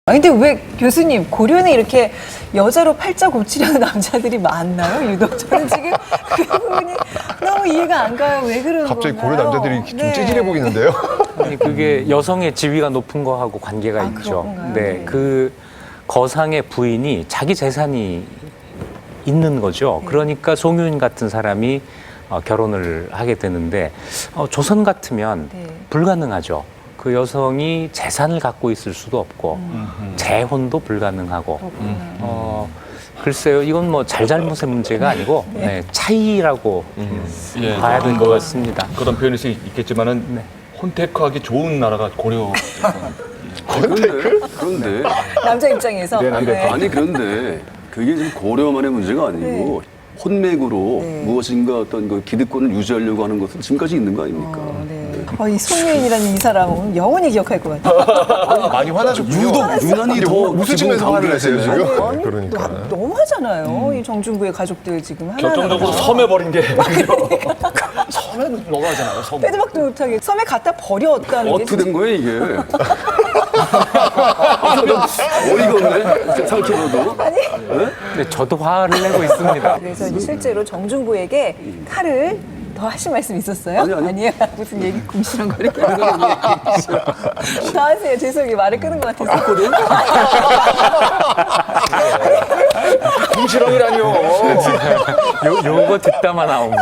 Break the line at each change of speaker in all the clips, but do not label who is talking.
아니 근데 왜 교수님 고려는 이렇게 여자로 팔자 고치려는 남자들이 많나요? 유독 저는 지금 그 부분이 너무 이해가 안 가요. 왜 그러는
갑자기
건가요?
고려 남자들이 좀
네.
찌질해 보이는데요?
아니, 그게 여성의 지위가 높은 거하고 관계가 있죠.
그런가요?
네,
네.
그 거상의 부인이 자기 재산이 있는 거죠. 그러니까 송유인 같은 사람이 결혼을 하게 되는데 조선 같으면
네.
불가능하죠. 그 여성이 재산을 갖고 있을 수도 없고 재혼도 불가능하고 글쎄요, 이건 뭐 잘잘못의 문제가 아니고 네, 차이라고
예,
봐야 될 것 같습니다.
그런 표현일 수 있겠지만은
네.
혼택하기 좋은 나라가 고려.
그런데
남자 입장에서
네, 남자 입장.
아니 그런데 그게 지금 고려만의 문제가 아니고 혼맥으로
네.
무엇인가 어떤 그 기득권을 유지하려고 하는 것은 지금까지 있는 거 아닙니까?
네. 이 송유인이라는 이 사람은 영원히 기억할 것 같아요.
많이 화나셨군요.
유난히 더
웃으시면서 화를 내세요,
기분
지금?
아니,
그러니까.
너무하잖아요. 이 정중부의 가족들 지금 하나하나.
결정적으로 섬에 버린 게. 섬에 넘어가잖아요, 섬.
빼도박도 못하게 섬에 갖다 버렸다는 게
어떻게 된 거예요 이게? 어이가 없네. 생각해봐도.
근데 저도 화를 내고 있습니다.
그래서 이제 실제로 정중부에게 칼을 더 하신 말씀 있었어요?
아니요.
아니에요. 무슨 얘기 궁시렁 거리게. 더 하세요. 죄송해요. 말을 끄는 것 같아서.
궁시렁이라니요.
요거 듣다만 나옵니다.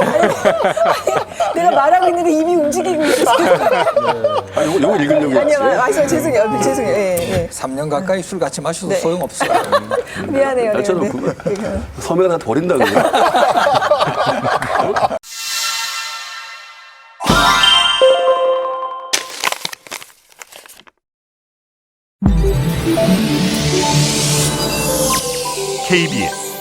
내가 말하고 있는데 입이 움직이고 있었어요.
아니, 요거 읽으려고 했지.
아니요. 죄송해요. 죄송해요. 예,
3년 가까이 술 같이 마셔도
네.
소용없어요.
예. 미안해요. 네,
나처럼
네.
그만. 섬에 다 버린다고요.
KBS